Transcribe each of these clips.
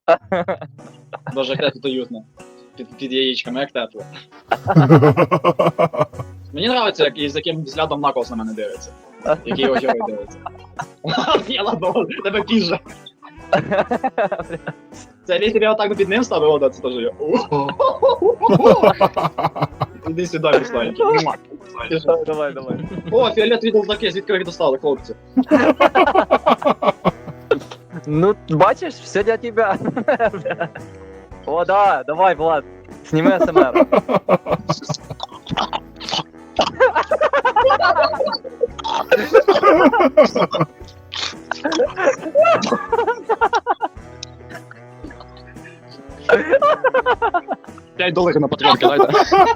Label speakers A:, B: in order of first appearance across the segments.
A: Боже, як тут уютно. Під яєчками, як тепло. Мені подобається, як із яким взглядом Наклз на мене дивиться. Який його герой дивиться. Я ладно, тебе піже. Це якщо я отак під ним ставив, це теж я. Іди сюди, Русланчик.
B: Давай.
A: О, фіолетові долдаки, звідки ви їх достали, хлопці?
B: Ну, бачиш, все для тебя. О, да, давай, Влад, сними СМР.
A: $5 на патреонки, дайте.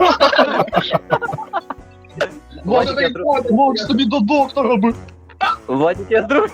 A: Боже, тобі до доктора би.
B: Владик, я с другой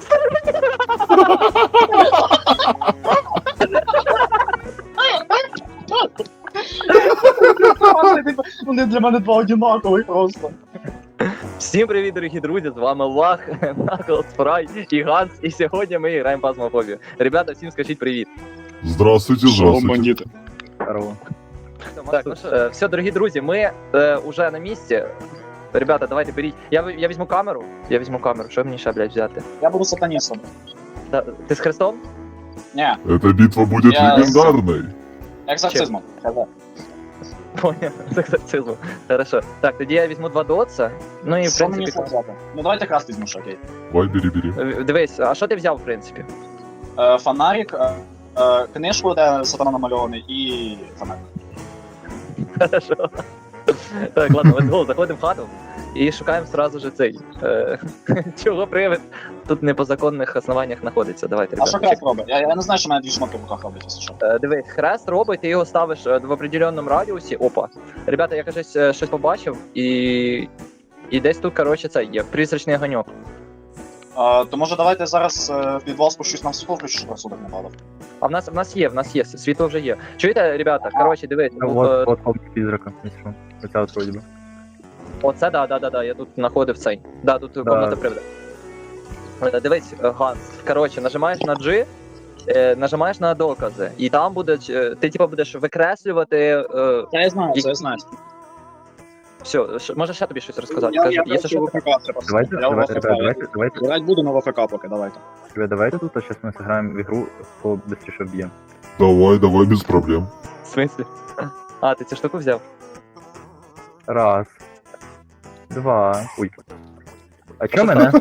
A: Вони для мене два одинакових просто.
B: Всім привіт, дорогі друзі, з вами Лах, Наклз, Фрай і Ганс, і сьогодні ми граємо Фазмофобію. Ребята, всім скажіть привіт.
C: Здравствуйте, здравствуйте.
A: Бандити.
B: Здорово. Так, ну що, все, дорогі друзі, ми уже на місці. Ребята, давайте беріть. Я візьму камеру. Що мені ще, блядь, взяти?
A: Я буду сатаністом.
B: Да, ти з Христом?
A: Ні,
C: Эта битва будет
A: Я
C: легендарной.
A: екзорцизмом.
B: Понял, з екзорцизму. Хорошо. Так, тоді я візьму 2 дотса. Ну і в
A: Що мені
B: принципі.
A: взяти? Ну давайте красти візьму, що окей.
C: Давай, бери.
B: Дивись, а що ти взяв, в принципі?
A: Фонарик, книжку, де сатана намальований, і фонарик.
B: Хорошо. Так, ладно, let's go, заходимо в хату і шукаємо сразу же цей. Чого привид тут не по законних основаннях знаходиться. Давайте,
A: А що
B: ребята.
A: хрест робить? Я не знаю, що в мене дві шмотки в руках роблять, якщо що.
B: Дивись, хрест робить, ти його ставиш в определенному радіусі. Опа. Ребята, я кажуть, щось побачив, і десь тут, коротше, це є призрачний огоньок.
A: То може давайте зараз в підвал спущусь на світло, включу, щоб розсудок не падав.
B: А в нас є, світло вже є. Чуєте, ребята, коротше, дивись,
D: Вот комната призрака, если что. Хотя вот вроде бы.
B: оце, да, я тут знаходив цей. Да, тут комната привода. Дивись, Ганс, коротше, нажимаєш на G, нажимаєш на докази, і там будуть, ти типу будеш викреслювати.
A: Це я знаю, це я знаю.
B: Все, може ще тобі щось розказати?
A: Я
B: Якщо
A: просто
B: що.
A: в ВФК треба.
D: Давайте,
A: Я в
D: давайте,
A: ВФК.
D: давайте.
A: Грать буду на ВФК поки, давайте.
D: Ребят, давайте тут, а сейчас мы сыграем в игру, кто быстрее бьем.
C: Давай, без проблем.
B: В смислі? А, ти цю штуку взяв?
D: Раз. Два. Ой. А чё мене?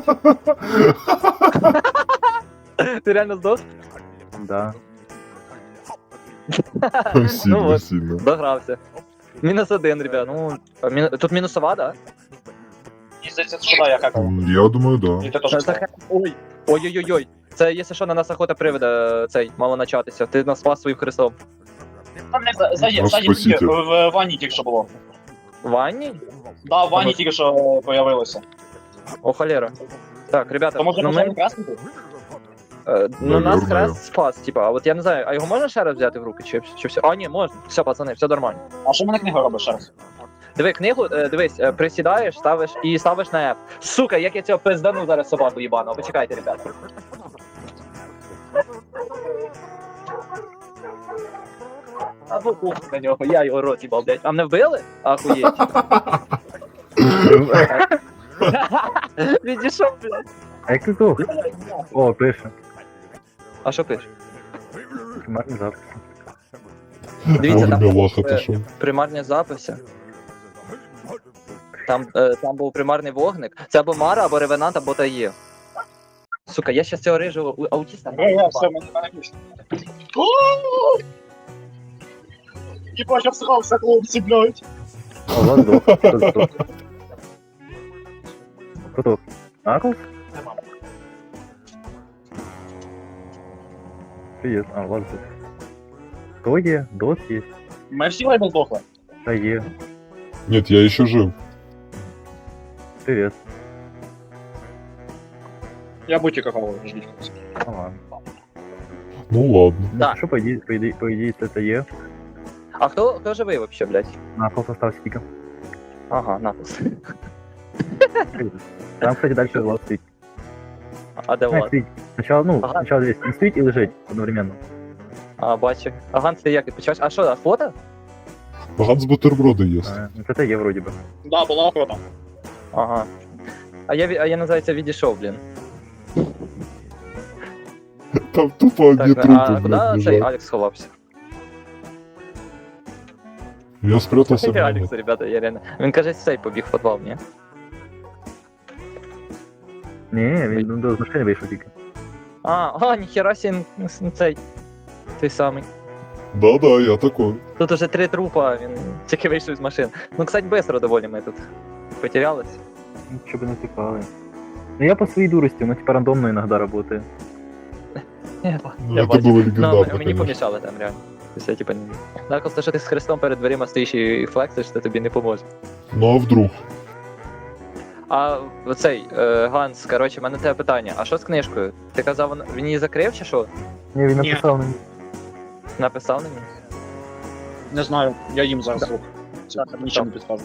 B: Ти реально здох?
D: Да.
C: Сильно,
B: от.
C: сильно.
B: Догрався. -1, ребят. Ну, тут мінусова, да?
A: І здається, що да, я какав.
C: Я думаю, да.
A: І ти теж сказав.
B: Ой. Ой-ой-ой. Це, якщо що, на нас охота привида цей, мало начатися. Ти нас спас своїм хрестом.
C: Спасите.
A: В ванні тільки що було.
B: В ванні?
A: Да, в ванні тільки що появилося.
B: О, холера. Так, ребята,
A: То може
B: ну
A: почати
B: ми...
A: краснути?
B: Ну, нас
C: Наверное.
B: хрест спас, типа, а от я не знаю, а його можна ще раз взяти в руки, чи все? А, ні, можна. Все, пацани, все нормально.
A: А що мене книга робить ще раз?
B: Диви, книгу, дивись, присідаєш, ставиш на F. Сука, як я цього пиздану зараз собаку їбану. Почекайте, ребята. Або кухню на нього, я його рот їбав, блядь. А мене вбили? Ахуєть. Відійшов, блядь.
D: А як ти здох? О, пише.
B: А що пиш?
D: Примарний запис.
B: Дивіться, там
C: Вовремя лаха пошел.
B: примарні записи. Там був примарний вогник. Це або Мара, або Ревенант, або Тає. Сука, я щас цього рижого аутіста.
A: Все, мене пішли. Єбать, я всрався, хлопці, блядь.
D: О, Влад здох. Хто здох? Хто здох? Наклз? Привет. А, Влад здох. Кто є? Дот є?
A: Ми всі лейбл здохли.
D: Та є.
C: Нет, я еще жив.
D: Привет.
A: Я будь какого ждіть.
D: Ну ладно.
C: Ну ладно.
B: Да.
D: Що, по ідеї, це є?
B: А хто живий вообще, блядь?
D: Наклз остался стиком.
B: Ага, напис.
D: Там, кстати, дальше Влад стоит.
B: А де Влад?
D: Сначала,
B: Ага.
D: сначала здесь не стоит и лежать одновременно.
B: А, бачу. А Ганс, ти як відпочиваєш? А що, а фото?
C: Ганс бутерброди їсть.
D: Ну, це є вроді би.
A: Да, була охота.
B: Ага. А я називається відійшов, блін.
C: Там тупо одні
B: Так,
C: трупи,
B: а куди
C: блядь,
B: цей
C: лежать.
B: Алекс сховався?
C: Я спрятався в нього.
B: Алекс, ребята, я реально. Він каже, цей побіг в підвал, ні?
D: Ні, він до машини вийшов тільки.
B: Ніхера сі, цей. Той самий.
C: Да-да, я такой.
B: Тут уже 3 трупа, він тільки вийшов з машин. Ну, кстати, быстро доволі ми тут потерялись.
D: Ну, щоб не тікали. Ну я по своїй дурості, воно типа рандомно іноді працює.
B: Я
C: Ну, это
B: бачу.
C: было
B: Ну,
C: легендарно,
B: мені
C: конечно.
B: помішали там, реально. Тобто, я, типа, не... Наклс, то, що ти з хрестом перед дверима стоїш і флексиш, це тобі не поможе.
C: Ну а вдруг?
B: А оцей, Ганс, коротше, в мене тебе питання. А що з книжкою? Ти казав, він її закрив чи що?
D: Ні, він
A: Ні.
D: написав мені.
B: Написав на ній?
A: Не знаю, я їм зараз звук. Це
B: Да,
A: нічим не підкажуть.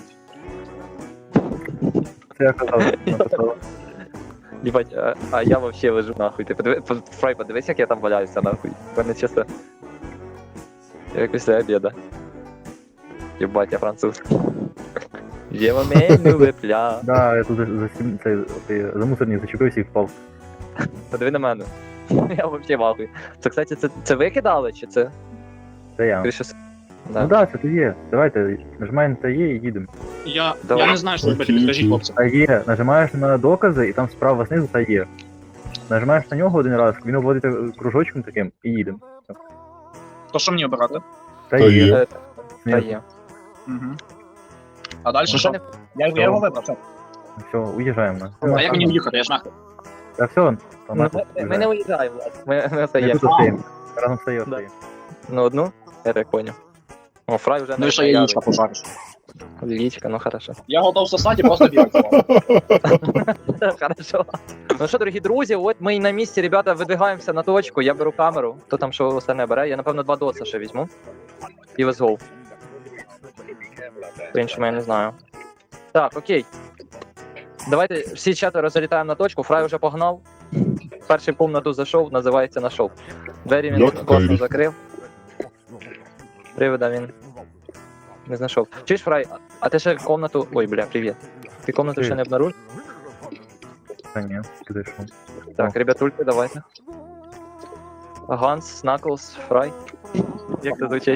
D: Це я казав, написав.
B: Єбать, а я вообще лежу нахуй. Ти Фрай, подивись, як я там валяюся нахуй. В мене чисто... Як після обіда. Єбать, я француз. Єва меню випля.
D: Да, я тут за мусорник зачепився і впав.
B: Подиви на мене. Я вообще вахуй. Це, кстати, це ви кидали, чи це?
D: Це я.
B: Скоріше,
D: Ну да, це тут є. Давайте, нажимаємо та є і їдемо.
A: Я
B: Давай.
A: не знаю, що робити,
C: Окей,
A: підкажіть
C: окей.
A: хлопці.
D: Та є, нажимаєш на докази і там справа знизу та є. Нажимаєш на нього один раз, він обводить кружочком таким і їдемо.
A: То що мені обирати?
D: Та
C: Та
D: є.
C: є.
B: Та є.
A: Угу. А далі
B: Ну,
A: що?
B: не-
A: Я його вибрав, все.
D: Все, уїжджаємо.
A: А як мені в'їхати, я ж нахуй.
D: Та все,
B: Ну, ми не уїжджаємо, Влад. Ми
D: Ми
B: остаємо.
D: тут стоїмо. Разом стоїмо.
B: Да. На одну? Я так понял. О, Фрай вже
A: Ну і ще яєчка пожариш.
B: Яичко, ну хорошо.
A: Я готов сосати і просто бігати.
B: Хорошо. Ну що, дорогі друзі, от ми і на місці, ребята, видвигаємося на точку, я беру камеру, хто там що остальне бере, я напевно 2 доца ще візьму. І let's go. По-іншому я не знаю. Так, окей. Давайте всі 4 залітаємо на точку, Фрай вже погнав. Перший в комнату зайшов, називається нашов. Двері він
C: Як
B: класно
C: Кайрі.
B: закрив. Привида він не знайшов. Чуєш, Фрай, а ти ще комнату... Ой, бля, привіт. Ти комнату ще не обнаружив?
D: Та ні, ти зайшов.
B: Так, ребятульки, давайте. Ганс, Снаклс, Фрай. Як це звучить?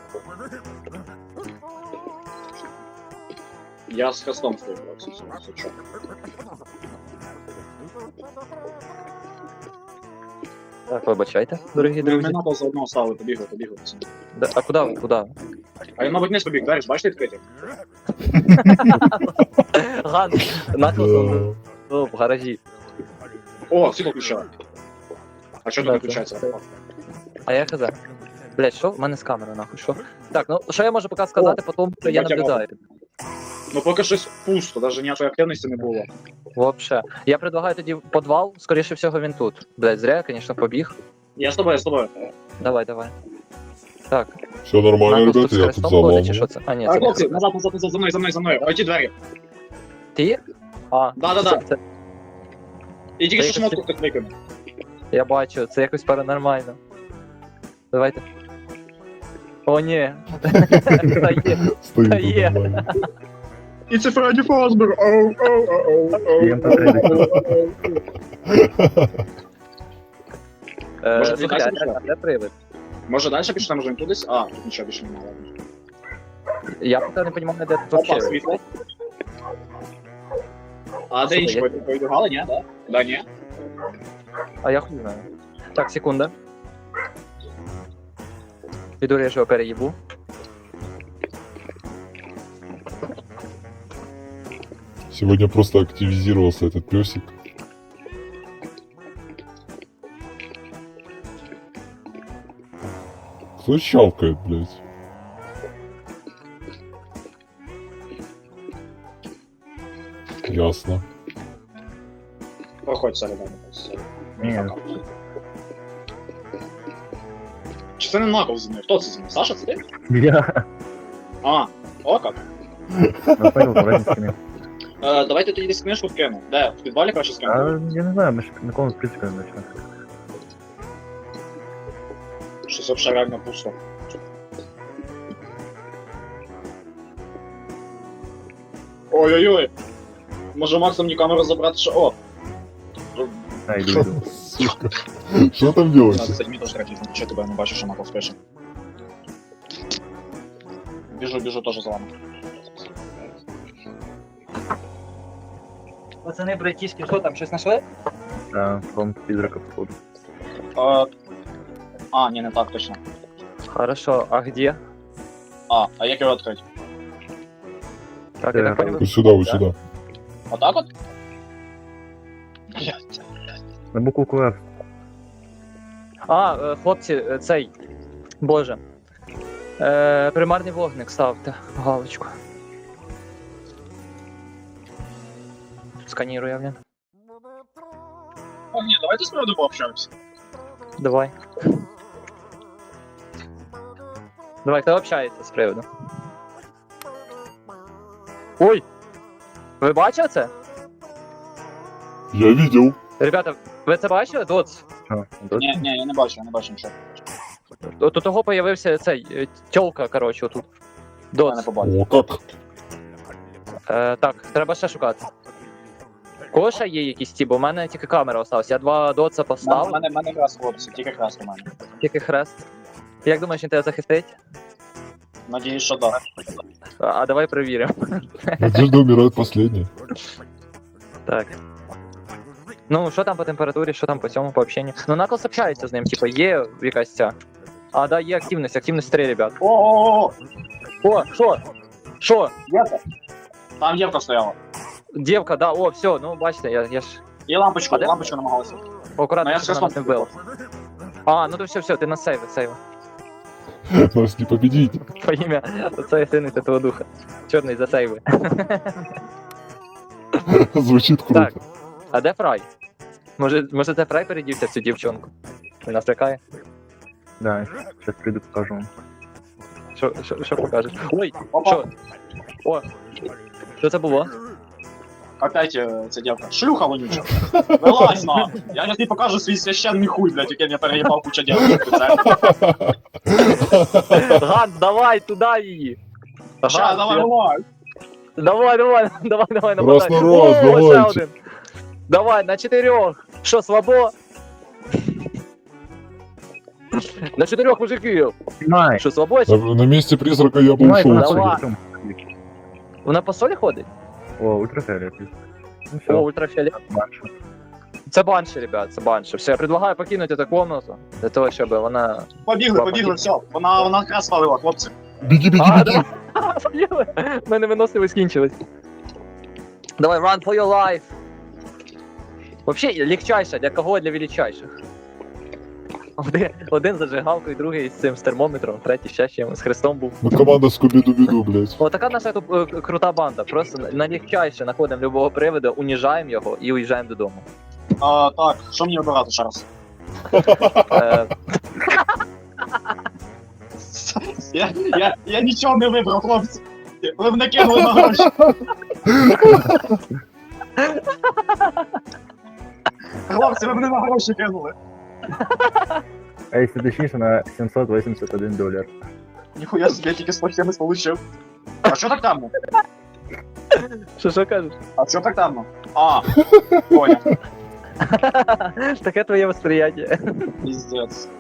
A: Я з хрестом стою, хлопці. Все, що?
B: Так, вибачайте, дорогі
A: Ми
B: друзі.
A: надо за одного ставили, побігли.
B: А куди ви? Куди?
A: А я, мабуть, не побіг, далі, бачите, відкриті?
B: Ганс, Снаклс
C: Да.
B: в гаражі.
A: О, світло включали. А що
B: Да,
A: тут виключається?
B: це- А я казав. Блять, що? В мене з камери, нахуй, що? Так, ну, що я можу поки сказати, потім, що я
A: Батя
B: наблюдаю.
A: Ну поки щось пусто, навіть ніякої активності не було.
B: Вообще. Я предлагаю тоді підвал, скоріше всього він тут. Блять, зря, я, конечно, побіг.
A: Я з тобою.
B: Давай, давай. Так,
C: Все нормально,
B: Наклз
C: ребята,
B: тут з
C: я тут
B: хрестом ходить, чи
C: заламываю.
B: що це? А, ні,
A: А,
B: це не
A: хлопці,
B: хрест.
A: назад, за мною. Ой, ті двері.
B: Ти? А,
A: Да.
B: це-
A: І тільки
B: Це
A: що
B: якось-
A: шмотку так викинув.
B: Я бачу, це якось паранормально. Давайте. О, ні. Та є.
C: Стоит
B: Та
C: тут
B: є.
C: нормально.
A: І це Фредді Фазбер.
D: Їм потрібно.
A: Може,
B: Слухай,
A: далі пішла?
B: а де привид?
A: Може далі пішли, може кудись? А, тут нічого більше немає.
B: Я поки не розумію, де тут
A: Опа,
B: вообще.
A: світло. А де
B: Слухай,
A: інші
B: я-
A: повідомляли, ні? Да? Да, ні.
B: А я хуй знаю. Так, секунда. Піду я ж його переїбу.
C: Сегодня просто активизировался этот песик. Кто щелкает, блядь? Ясно.
A: Проходь середину.
D: Ні.
A: Чи це не Наклз зі мною? Хто це зі мною? Саша, це ти?
D: Я
A: А, о як.
D: напевно повернусь стіни.
A: Давайте тоді десь книжку вкину. Де? В підвалі краще
D: А
A: скину?
D: я не знаю, ми ж нікому в принципі не знайшли.
A: Щось вообще реально пусто. Ой-ой-ой. Може Максом мені камеру забрати, що... О!
D: А, йду, йду.
C: Сука. Что там делаете?
A: Кстати, мені теж треба тісно, що тебе не бачу, що Макс пише. Біжу теж за вами.
B: Пацани, братішки, що там, щось знайшли?
D: Да, вам призрака походу.
A: Ні, не так точно.
B: Хорошо, а где?
A: А як його відкрити?
B: Так, я так понял.
C: Вот сюда, вот сюда.
A: Отак от? Блядь.
D: На букву Q.
B: Хлопці, цей. Боже. Примарний вогник ставте. Галочку. Сканірую, блін.
A: Ні, давайте з приводу пообщаємося.
B: Давай. Давай, хто общається з приводу? Ой! Ви бачили це?
C: Я видел.
B: Ребята, ви це бачили? Доц.
A: Ні, я не бачу нічого.
B: От у того появився цей тьолка, коротше, отут.
A: Я не
B: Доц.
A: побачив.
C: О, как?
B: Так, треба ще шукати. Кого ще є якісь ті, бо в мене тільки камера осталась. Я 2 доца
A: У
B: поставив,
A: мене хрест, хлопці, тільки хрест у мене.
B: тільки хрест. Як думаєш, він тебе захистить?
A: Надіюсь, що так.
B: А давай перевіримо.
C: Надежда умирает последняя.
B: Так. Ну, що там по температурі, що там по цьому, по общенню? Ну, Наклз общається з ним, типа, є якась ця. А, да, є активність 3, ребят.
A: О,
B: О, що? Що?
A: Євка. Там Євка стояла.
B: Дівка, да, о, все, ну, бачите, я ж
A: І лампочку,
B: А де?
A: лампочку намагалася.
B: акуратно,
A: Ну, я
B: щоб
A: з
B: вона нас не вбила. А, ну то все, ти на сейви.
C: Нас не победить.
B: По ім'я Отця і Сина і Святого Духа. Чорний за сейви.
C: Звучит круто.
B: Так. А де Фрай? Може це Фрай передівся в цю дівчонку? Він нас лякає?
D: Да, сейчас приду, покажу вам.
B: Що покажеш? Ой,
A: Опа.
B: що? О, що це було?
A: Опять ця дівка. Шлюха вонюча. Вилазь на. Я сейчас не покажу свій священний хуй, блядь, який я переїбав куча дівчат.
B: Ганс, давай туди її!
A: Ща, давай, вилазь.
B: Давай,
C: Раз на раз,
B: О, ще
C: давайте.
B: один. Давай, на 4. Що, слабо? На 4 мужиків.
D: Снимай!
B: Що, слабо?
C: На месте призрака я бы
D: Снимай,
C: ушел.
B: давай.
C: отсюда.
B: Вона по солі ходить?
D: О, ультрафиолет. Ну
B: О,
D: все,
B: ультрафіолет. Це банші, ребят, це банші. Все, я предлагаю покинути цю комнату, для того, щоб вона...
A: Побігли, все. Вона якраз спалила, хлопці.
C: Беги, беги,
B: А,
C: беги.
B: давай! У мене виносливість скінчилась. Давай, run for your life! Вообще, легчайше, для кого? Для величайших. Один зажигалкою, другий з цим з термометром, третій ще чим, з хрестом був.
C: Мы команда Скуби-Ду-Биду, блядь.
B: О, така наша тут крута банда. Просто на легчайше знаходимо любого приводу, уніжаємо його і уїжджаємо додому.
A: Так, що мені обирати ще раз?
B: Е,
A: Я нічого не вибрав, хлопці. Ви мене кинули на гроші. Хлопці, ви мене на гроші кинули.
D: А если точнее, на $781.
A: Ніхуя собі, я тільки 170 получив. А що так темно?
B: Що кажеш?
A: А що так темно? Понял.
B: Таке твоє восприяття.
A: Пиздец.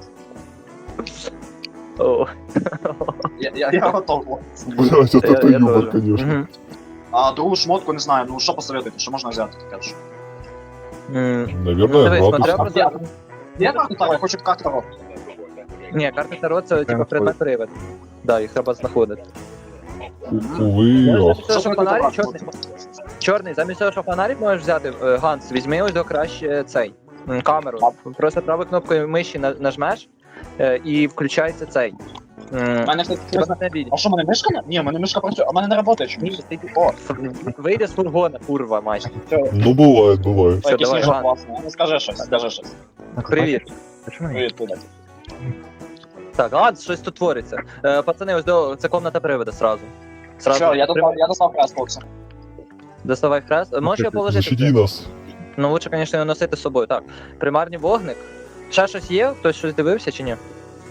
B: О.
A: Я готов, хлопці.
C: Блядь, вот это
B: Я
C: юмор,
B: тоже.
C: конечно.
B: Мгм.
A: А другу шмотку не знаю, ну що посоветуєте, що можна взяти таке ж?
C: Наверное,
B: Дивись,
C: градус.
B: смотря про...
A: Я карту Таро, я хочу карту Таро.
B: Ні, карти Таро це типу предмет привид. Да, їх треба знаходити.
C: Увы, ох.
B: Замість того, що фонарик чорний, замість того, що фонарик можеш взяти, Ганс, візьми ось до краще цей камеру. Просто правою кнопкою миші нажмеш і включається цей.
A: У мене все
B: Тебе не бідь.
A: А що, в мене мишка не? Ні, в мене мишка працює, а в мене не працює чомусь.
B: О, вийде з фургона, курва, майже.
C: Ну, бывает, бывает.
B: Все,
A: Якийсь
B: давай,
A: сніжок
B: Ганс.
A: класний. Ну скажи щось, скажи щось.
B: Привіт.
D: Почему нет?
A: Привіт, привіт.
B: Так, Ганс, щось тут твориться. Пацани, ось до це комната привода сразу.
A: Все, я достав хрест, хлопці.
B: Доставай хрест. Можеш його положити?
C: Защити нас.
B: Ну, лучше, звісно, його носити з собою. Так, примарний вогник. Ще щось є? Хтось щось дивився чи ні?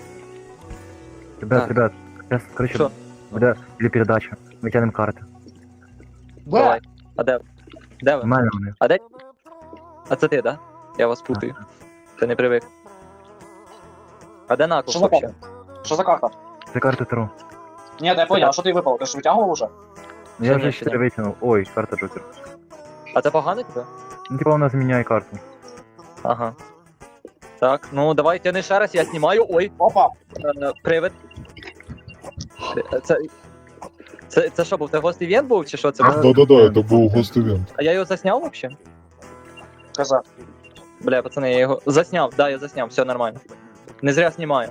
D: Ребят,
B: Так.
D: сейчас, короче,
B: Що?
D: буде передача. Ми тянемо карти.
B: Давай. А де? Де ви?
D: Нормально вони.
B: А де? А це ти, да? Я вас путаю. Ти не привик. А де Наклз
A: Що за
B: вообще?
A: Що за карта?
D: Це карти Таро.
A: Ні, я понял, а що ти випав? Ти ж витягував уже?
D: Ну, я
B: Ні,
D: вже
B: ще
D: 4
B: ні.
D: витягнув. Ой, карта Джокер.
B: А це погано тебе?
D: Ну, типа вона зміняє карту.
B: Ага. Так, ну давай тяни ще раз, я знімаю. Ой,
A: Опа!
B: привид. Це що був? Це гост івент був чи що це був?
C: Да-да-да, это был гост-ивент.
B: А я його засняв вообще?
A: Каза.
B: Бля, пацани, я його засняв, да, я засняв, все нормально. Не зря знімаю.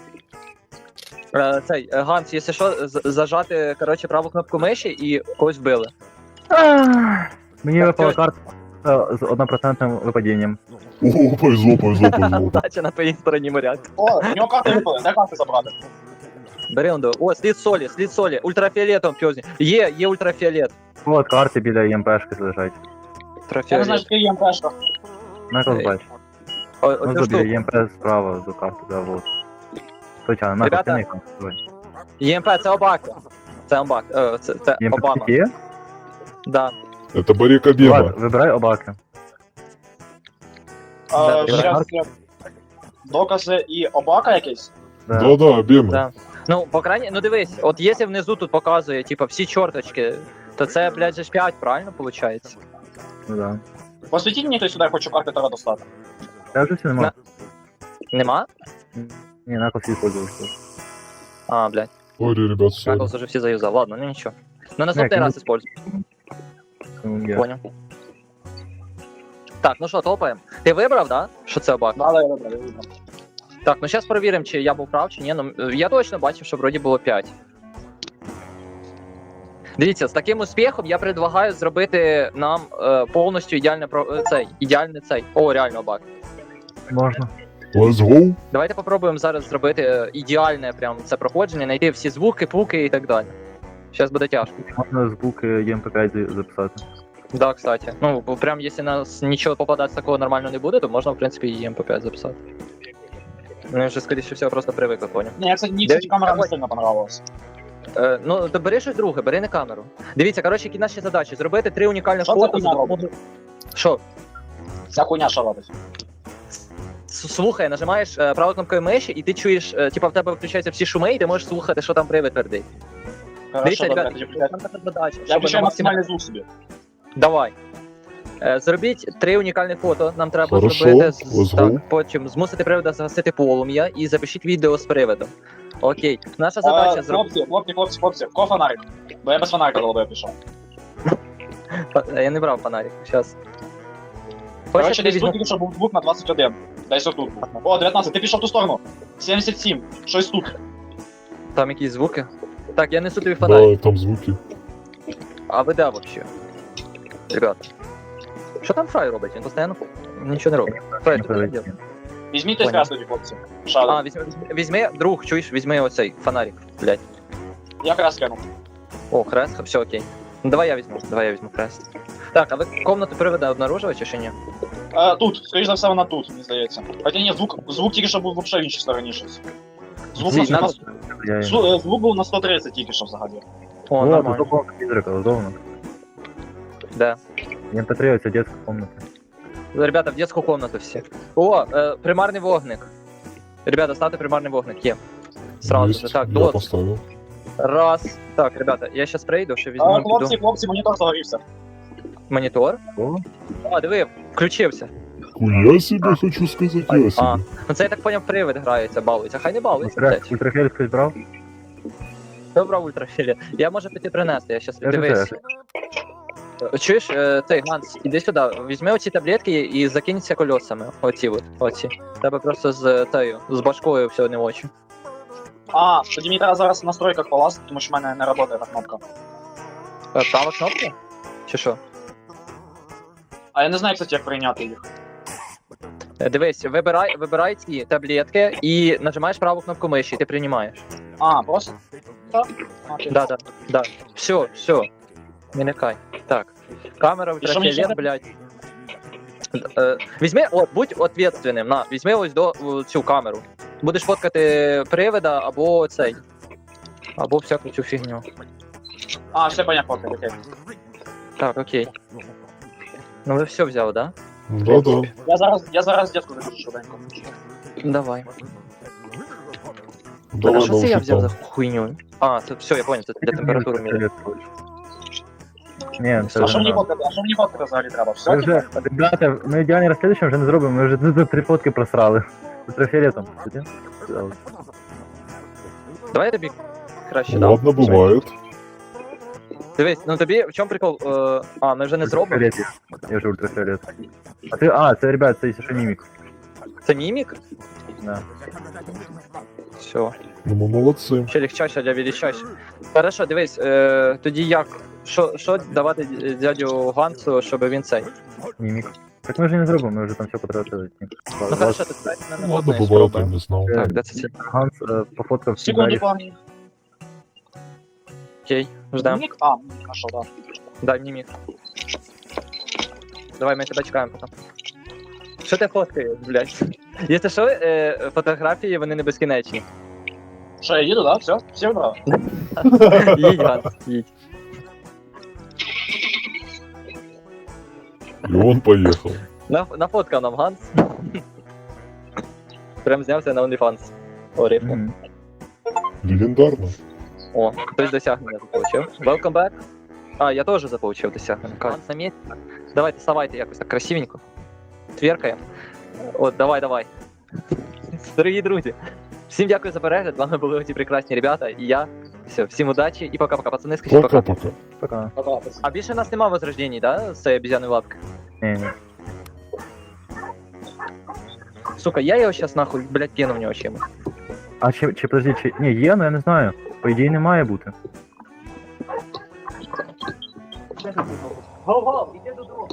B: Цей, Ганс, якщо що, зажати, коротше, праву кнопку миші і когось вбили.
D: Мені
B: Так,
D: випала
B: тьоть.
D: карта з 1% випадінням.
C: О, повезло.
B: Дача на твоїй стороні моряк.
A: О, в нього карти випали, де карти забрати?
B: Бери он до. О, слід солі. Ультрафіолетом пьозні. Є ультрафіолет.
D: От карти біля ЄМПшки лежать.
A: Я не знаю, що ти їм пешка.
D: Наклз
B: Ей.
D: бач.
B: Оцю
D: Ну, біля
B: штуку.
D: ЄМП справа до карти, да, вот. Точно, Наклз,
B: Ребята.
D: тяни там.
B: ЄМП, це Обака. Це Обак. Це
D: ЄМП
B: Обама.
D: є?
B: Да.
C: Это Барик Обема.
D: Влад, вибирай Обаки.
B: Да,
A: Зараз докази і обака якийсь?
D: Да.
C: Да-да, Обема.
B: Да. Ну, по крайней, ну дивись, от якщо внизу тут показує, типа, всі чорточки, то це, блядь, же ж 5, правильно, виходить?
D: Ну да.
A: Посвітіть мені хтось сюди, я хочу карти Таро достати.
D: Я вже все нема.
B: Нема?
D: Не, Наклз использовался.
B: А, блядь,
C: Ой, ребят, все.
B: Наклз уже всі заюзав. Ладно, ну нічого. Ну, наступний
D: ну-
B: раз используй. Понял. Так, ну що, топаємо. Ти вибрав, да? Що це Обак?
A: Да, я вибрав.
B: Так, ну зараз перевіримо, чи я був прав, чи ні. Ну, я точно бачив, що вроді було 5. Дивіться, з таким успіхом я предлагаю зробити нам повністю ідеальний цей. О, реально Обак.
D: Можна.
C: Let's go.
B: Давайте попробуємо зараз зробити ідеальне прям це проходження, знайти всі звуки, пуки і так далі. Зараз буде тяжко.
D: Можна звук ЄМП5 записати.
B: Да, кстати. Ну, бо прям якщо нас нічого попадати такого нормально не буде, то можна, в принципі, і МП5 записати. Ну, я вже, скоріше всього, просто привик, поняв.
A: Ні, мені, кстати, камера не сильно понравилась.
B: Ну, то бери щось друге, бери не камеру. Дивіться, коротше, які наші задачі. Зробити 3 унікальні
A: Що це
B: фото.
A: хуйня робить?
B: Що?
A: Ця хуйня що робить?
B: Слухай, нажимаєш правою кнопкою миші, і ти чуєш, типа в тебе включаються всі шуми, і ти можеш слухати, що там привид твердить. Дивіться,
A: Хорошо, добре,
B: ребята,
A: тоді включаю.
B: там така задача.
A: Я
B: щоб
A: включаю
B: на
A: максимальний звук собі.
B: Давай. Зробіть 3 унікальні фото. Нам треба
C: Хорошо,
B: зробити
C: let's
B: так,
C: go.
B: потім змусити привода загасити полум'я і запишіть відео з приводом. Окей. Наша задача зробити.
A: Хлопці, ко фонарик? Бо я без фонарика голубою пішов.
B: Я не брав фонарик. Щас.
A: Короче, десь
B: візьму...
A: тут тільки що був звук на 21. Десь отут. О, 19, ти пішов в ту сторону. 77, щось тут.
B: Там якісь звуки. Так, я несу тобі фонарик.
C: Да, там звуки.
B: А ви де вообще? Ребята. Що там Фрай робить? Він постійно нічого не робить. Фрай, ти що робиш?
A: Візьміть той
B: Понял.
A: зв'яз тоді, хлопці. Шади.
B: А, візьми, друг, чуєш, візьми оцей фонарик, блядь.
A: Я крас кинув.
B: О, хрест, все окей. Ну давай я візьму хрест. Так, а ви комнату привода обнаружили чи ще ні?
A: Тут, скоріш за все, вона тут, мені здається. Хоча ні, звук тільки що був взагалі в іншій стороні щось. Звук,
B: Зі,
A: на,
B: надо-
A: звук був на 130 тільки що взагалі.
B: О,
D: О,
B: нормально.
D: тут комната призрака, удобно.
B: Да.
D: ЕМП3 це детська комната.
B: Ребята, в детскую комнату все. О, примарний вогник. Ребята, ставте примарний вогник, є. Сразу
C: Есть,
B: же. Так,
C: я
B: дот.
C: поставил.
B: Раз. Так, ребята, я сейчас прийду, ще візьму
A: Хлопці, монітор загорівся.
B: монітор.
D: О,
B: А, диви, включився.
C: Хуя себе, хочу сказать, я
B: А,
C: себе.
B: ну це я так поняв, привид грається, балується. Хай не балується, блядь.
D: ультрафіолет хтось брав?
B: Добра ультрафіолет. Я можу піти принести, я щас
D: Я же
B: дивись.
D: теж.
B: Чуєш, цей Ганс, іди сюди, візьми оці таблетки і закинься колесами. Оці от, оці. Тебе просто з башкою все не в очі.
A: А, тоді мені треба зараз в настройках полазити, тому що в мене не працює та кнопка.
B: Права кнопка? Чи що?
A: А я не знаю, кстати, як прийняти їх.
B: Дивись, вибирай ці таблетки і нажимаєш праву кнопку миші, і ти приймаєш.
A: А, просто? Так? Окей.
B: Да. Все. Не лякай. Так. Камера
A: І що мені ще
B: ультрафіолет, блядь. Візьми, будь ответственним, візьми ось цю камеру. Будеш фоткати привида або цей. Або всяку цю фігню.
A: А, все понятно, окей.
B: Так, окей. Ну ви все взяв, да?
C: Да-да.
A: Я зараз дітку запишу швиденько.
B: Давай.
C: Давай
B: А що це я
C: на
B: взяв за
C: там.
B: хуйню? А, це все, я понял, це для температури міряє.
D: Ні,
A: А
D: це
A: що
D: вже
A: мені
D: надо.
A: фоткати? А що мені фоткати взагалі треба?
D: Ми
A: Все,
D: вже, ребята, ми ідеальне розслідування вже не зробимо, ми вже тут 3 фотки просрали. Ультрафіолетом.
B: Давай я тобі краще дам.
C: Ладно, бывает.
B: Дивись, ну тобі в чому прикол? А, ми вже не зробимо.
D: Ультрафіолет є. Я вже ультрафіолет. А, це, ребят, це ще мімік.
B: Це мімік?
D: Да.
B: Все.
C: Ну, мы молодцы.
B: Ще легчайше, для величайше. Хорошо, дивись, тоді як? Що давати дядю Гансу, щоб він цей?
D: Мімік. Так ми вже не зробимо, ми вже там все потратили.
B: Ну хорошо, ти дай мене
C: Ладно,
B: одне
C: бывает, я
B: спробуй.
C: не знал.
B: Так, де це?
D: Ганс пофоткав всі
A: Секунду,
D: двері.
A: пані.
B: Окей, ждем.
A: Мік? А, хорошо, да.
B: Дай мімік. Давай, ми тебе чекаємо потім. Що ти фоткаєш, блядь? Якщо що, фотографії, вони не безкінечні.
A: Що, я їду, да? Все? Всі вибрали?
B: Їдь, Ганс, їдь.
C: И он поехал.
B: Нафоткав нам Ганс. Прям знявся на OnlyFans. О, рифму.
D: Мгм.
C: Легендарно.
B: О, хтось досягнення заполучив. Welcome back. А, я теж заполучив досягнення. Ганс на місці. Давайте, ставайте якось так красивенько. Тверкаємо. От, давай. Дорогі друзі, всім дякую за перегляд. З вами були ці прекрасні ребята і я. Все, всім удачі і пока-пока. Пацани, скажіть пока.
C: Пока-пока.
D: Пока.
A: Пока.
B: А більше нас нема возрождений, да? З цієї обезьяної лапки.
D: Ні.
B: Сука, я його щас нахуй, блядь, кину в нього чимось.
D: А чи подожди, чи... Ні, є, ну я не знаю. По ідеї не має бути.
B: Го-го, іди додому.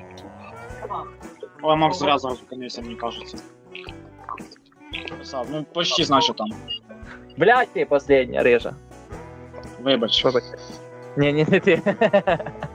A: Ой, Макс зря зараз зупинився, мені кажеться. Писав, ну почти знаю, що там.
B: Блядь, ти последня, рижа.
A: Вибач.
B: Вибач. Ні, не ти.